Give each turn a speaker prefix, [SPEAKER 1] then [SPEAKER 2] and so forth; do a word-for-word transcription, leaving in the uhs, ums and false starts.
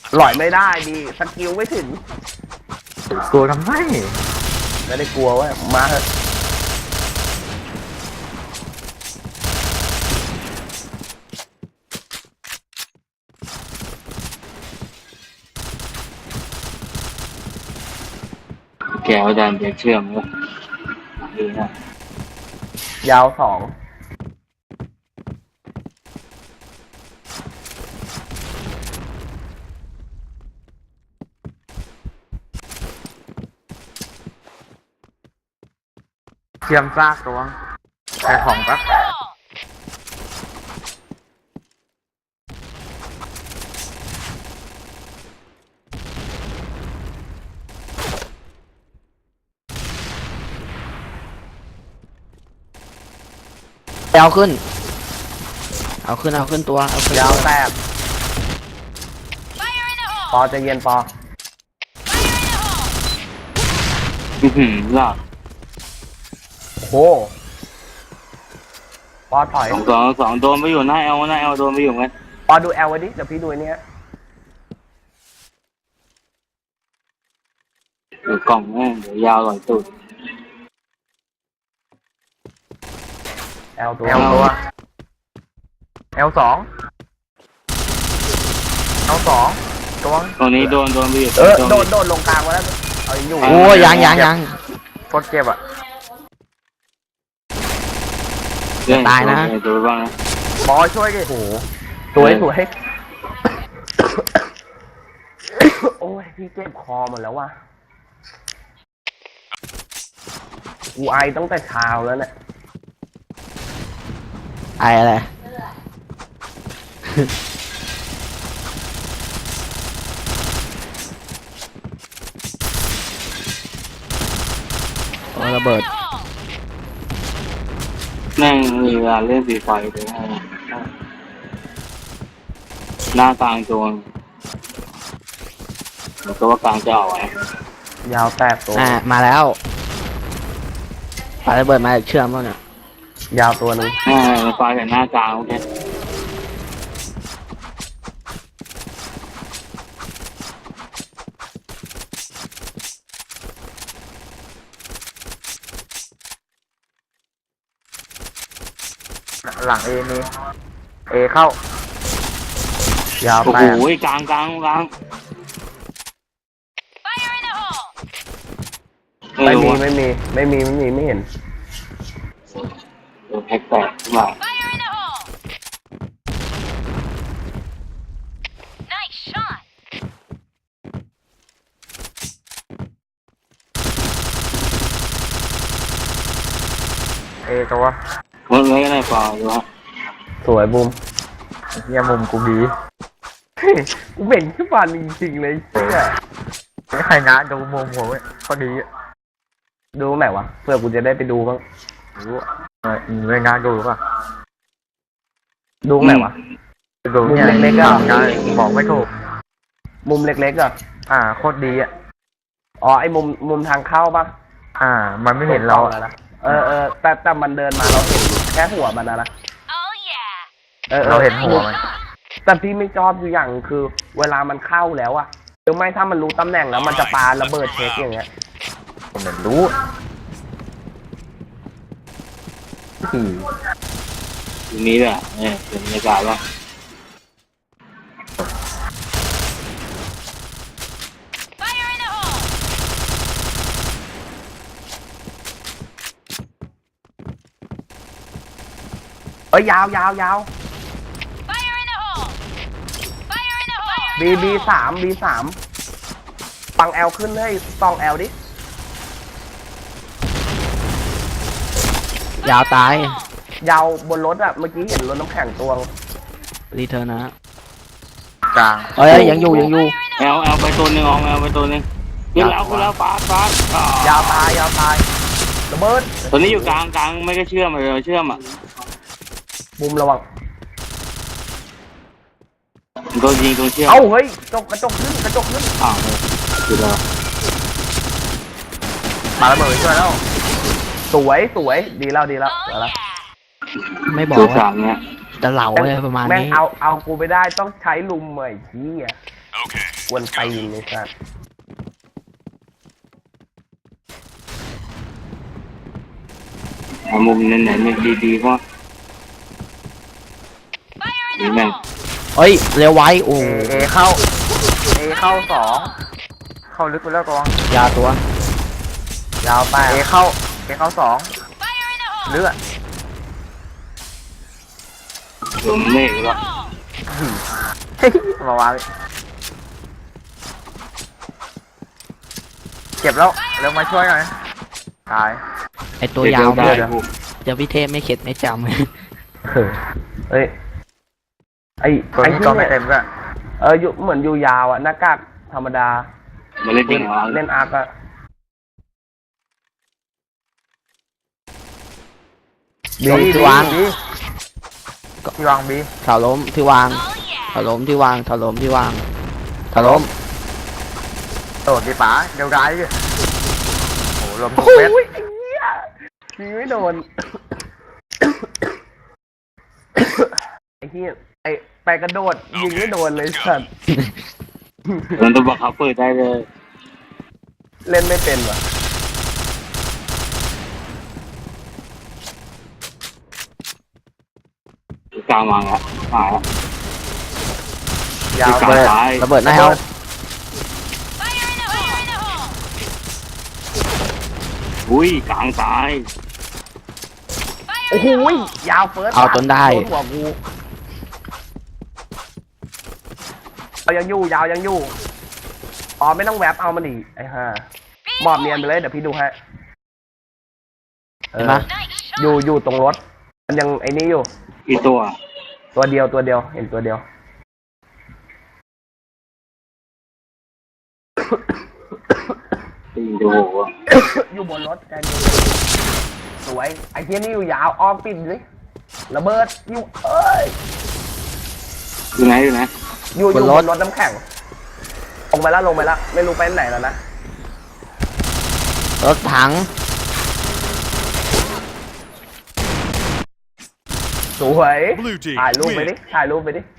[SPEAKER 1] หลอยไม่ได้ดีสกิลไม่ถึง
[SPEAKER 2] กลัวทำไม
[SPEAKER 1] ไม่ได้กลัวว่ามาเถอะ
[SPEAKER 3] แกวดันจะเชื่อมก็ดีนะ
[SPEAKER 1] ยาวสอง
[SPEAKER 2] เทียมซากตัวใส่ของปะ
[SPEAKER 4] เอาขึ้นเอาขึ้นเอาขึ้นตัวเอาขึ้น
[SPEAKER 1] ยาวแตกปอจะเย็นปอ
[SPEAKER 3] อือหือหลับ
[SPEAKER 1] โอ้ปอถอย
[SPEAKER 3] สองสองโดนไปอยู่หน้าเอลหน้าเอลโดนไปอยู่ไง
[SPEAKER 1] ปอดูแอลไว้ดิเดี๋ยวพี่ดูเนี้ย
[SPEAKER 3] อยู่กล่องแม่งเดี๋ยวยาวหลอยตุด
[SPEAKER 1] แอลตัว
[SPEAKER 2] แอลตัวแอลสองแอลสองตัว
[SPEAKER 3] ตรงนี้โดนโดนไปอยู่
[SPEAKER 1] เออโดนโดนลงกลางมาแล้วเอาอยู่
[SPEAKER 4] โอ้ยังยังยัง
[SPEAKER 2] โคตรเจ็บอ่ะ
[SPEAKER 4] ตายนะ
[SPEAKER 3] ดูบ้างนะ
[SPEAKER 1] บอช่วยดิโหสวยสวยโอ้ยพี่เจ็บคอหมดแล้วว่ะกูไอตั้งแต่เช้าแล้วเนี่ย
[SPEAKER 4] ไออะไรโอ้ระเบิด
[SPEAKER 3] แม่งมีเวลาเล่นสีไฟเลยหน้ากลางโจนแล้วก็ว่ากลางจะออกไง
[SPEAKER 1] ยาวแตกตัว
[SPEAKER 4] อ่ามาแล้วปาระเบิดมาเชื่อมแล้วเนี่ย
[SPEAKER 1] ยาวตัวหนึ่ง
[SPEAKER 3] อ่าไฟแต่หน้ากลางโอเค
[SPEAKER 2] หลังเอมีเอเข้ายาว
[SPEAKER 3] โอ้
[SPEAKER 2] ไป
[SPEAKER 3] โหกลางกลางกลาง
[SPEAKER 1] ไม่มีไม่มีไม่มีไม่มีไม่เห็น
[SPEAKER 3] โดนแพ็กแตกขึ้นมา
[SPEAKER 2] เอตัว
[SPEAKER 3] มันไม่ได้เปล่าดูฮะ
[SPEAKER 1] สวยบูม
[SPEAKER 2] เยี่ยมุมกูบี
[SPEAKER 1] กูเบ่งขึ้นมาจริงๆเลยเชื่อ
[SPEAKER 2] ไม่ใครนะดูมุมผมพอดี
[SPEAKER 1] ดูไหนวะเพื่อกูจะได้ไปดูบ้าง
[SPEAKER 2] รู้เออไม่งานดูป่ะ
[SPEAKER 1] ดูไหนวะ
[SPEAKER 2] ดูเนี่ยเล็กๆก็บอกไม่ถูก
[SPEAKER 1] มุมเล็กๆอ่ะ
[SPEAKER 2] อ่าโคตรดีอ่ะ
[SPEAKER 1] อ๋อไอ้มุมมุมทางเข้าป่ะ
[SPEAKER 2] อ่ามันไม่เห็นเรา
[SPEAKER 1] แล้วนะเออเออแต่แต่มันเดินมาเราเห็นแค่หัวมันนะนะ
[SPEAKER 2] เออเราเห็นหัวมัน
[SPEAKER 1] แต่พี่ไม่ชอบอยู่อย่างคือเวลามันเข้าแล้วอะหรือไม่ถ้ามันรู้ตำแหน่งแล้วมันจะปาระเบิดเช็คอย่างเงี้ย
[SPEAKER 2] ผมไม่รู้
[SPEAKER 3] ทีนี้แหละเนี่ยเป็นบรรยากาศว่า
[SPEAKER 1] เอ้ยยาวยาวยาวบีบีสามบีสามปังแอลขึ้นให้ตองแอลดิ
[SPEAKER 4] ยาวตาย
[SPEAKER 1] ยาวบนรถอะเมื่อกี้เห็นรถน้ำแข็งตัว
[SPEAKER 4] รีเทิร์นนะ
[SPEAKER 2] กลาง
[SPEAKER 4] เอ้ยยังอยู่ยังอยู่
[SPEAKER 3] แอลแอลไปตัวหนึ่งออกแอลไปตัวหนึ่งขึ้นแล้วขึ้นแล้วฟาดฟาด
[SPEAKER 1] ยาวตายยาวตายระเบิด
[SPEAKER 3] ตัวนี้อยู่กลางกลางไม่ก็เชื่อมเลยเชื่อมอ่ะ
[SPEAKER 1] บุมระวัง
[SPEAKER 3] โดนยิงตรงเชือก
[SPEAKER 1] เอ้าเฮ้ยกระจกกระจกขึ้นกระจกขึ้น
[SPEAKER 3] อ้าวคือแล้ว
[SPEAKER 1] มาระเบิดช่วยแล้วสวยสวยดีแล้วดีแล้วแล้ว
[SPEAKER 4] ไม่บอกว่าจะเหล่าอะไรประมาณนี้
[SPEAKER 1] แม่งเอาเอากูไปได้ต้องใช้ลุมเหมยที่อ่ะกวนตีนเลยสัส
[SPEAKER 3] เอามุมนั้นไหนมันดีๆเพราะนี่แม่ง
[SPEAKER 4] เฮ้ยเร็วไว้โอ้
[SPEAKER 2] เอเอเข้าเอเข้าสองเข้าลึกไปแล้วตัว
[SPEAKER 4] ยาตัวย
[SPEAKER 2] าวไปเอเข้าเอเข้าสองเลือด
[SPEAKER 3] โดนเมฆแล้ว
[SPEAKER 2] มาวางเจ็บแล้วเร็วมาช่วยหน่อยตาย
[SPEAKER 4] ไอตัวยาว
[SPEAKER 3] ได้
[SPEAKER 4] เลย
[SPEAKER 3] กู
[SPEAKER 4] เดี๋ยวพี่เทพไม่เข็ดไม่จ
[SPEAKER 1] เออเอ้ยไอ้
[SPEAKER 2] ตัว
[SPEAKER 1] ไอ้
[SPEAKER 2] นี้
[SPEAKER 1] ที่
[SPEAKER 2] ก็ไม่
[SPEAKER 1] เนี่ย
[SPEAKER 2] เต็มก็
[SPEAKER 1] เอออยู่เหมือนอยู่ยาวอะหน้ากากธรรมดา
[SPEAKER 3] มาเล่นจริงเหรอ
[SPEAKER 1] เล่นอาร์กอะ
[SPEAKER 4] ำล้มที่วาง
[SPEAKER 2] บีที่วางบี
[SPEAKER 4] เสาล้มที่วางเสาล้มที่วางเสาล้มที่วางเสาล้ม
[SPEAKER 2] โดดดีป๋าเดี๋ยวร้ายดิโอ้โหลมทุก
[SPEAKER 1] โอ้
[SPEAKER 2] เม็ด
[SPEAKER 1] ยไอ้เหี้ยยิงไม่โดน ไอ้เหี้ยไอ้ไปกระโดดยิงไม่โดนเลยสัตว์
[SPEAKER 3] โดนตัวบังคับเปิดได้เลย
[SPEAKER 1] เล่นไม่เป็นว่ะ
[SPEAKER 3] กลางวางแล้วมาแล้ว
[SPEAKER 2] ยาว
[SPEAKER 3] กลาง
[SPEAKER 2] ไป
[SPEAKER 3] ซ้าย
[SPEAKER 4] ระเบิดหน้าเฮา
[SPEAKER 3] อุ้ยกลางซ้าย
[SPEAKER 1] โอ้โหยาวเฟิร์ส
[SPEAKER 4] เอาจนได้
[SPEAKER 1] โดนหัวกูเอายังอยู่ยาวยังอยู่อ๋อไม่ต้องแวบเอามันดิไอ้ห่าหมอบเนียนไปเลยเดี๋ยวพี่ดูให้เอ
[SPEAKER 4] เห็น
[SPEAKER 1] อ
[SPEAKER 4] ปะ
[SPEAKER 1] อยู่อยู่ตรงรถ มันยังไอ้นี่อยู่
[SPEAKER 3] อีตัว
[SPEAKER 1] ตัวเดียวตัวเดียวเห็นตัวเดียว
[SPEAKER 3] ตีดูหัว
[SPEAKER 1] อยู่บนรถแกนอยู่สวยไอ้เทียนี่อยู่ยาวอ้อมปิดเลยระเบิดอยู่เอ้ย
[SPEAKER 3] อยู่ไหนอยู่ไหน
[SPEAKER 1] อยู่อยู่
[SPEAKER 4] บบ น
[SPEAKER 1] น
[SPEAKER 4] ร
[SPEAKER 1] ร
[SPEAKER 4] ถ
[SPEAKER 1] ถน้ำแข็งลงไปแล้วลงไปแล้วไม่รู้ไปไหนแล้วนะ
[SPEAKER 4] รถถัง
[SPEAKER 1] สวย
[SPEAKER 5] Blue team
[SPEAKER 1] ถ่ายรูปไป
[SPEAKER 5] win.
[SPEAKER 1] ดิถ่ายรูปไปดิ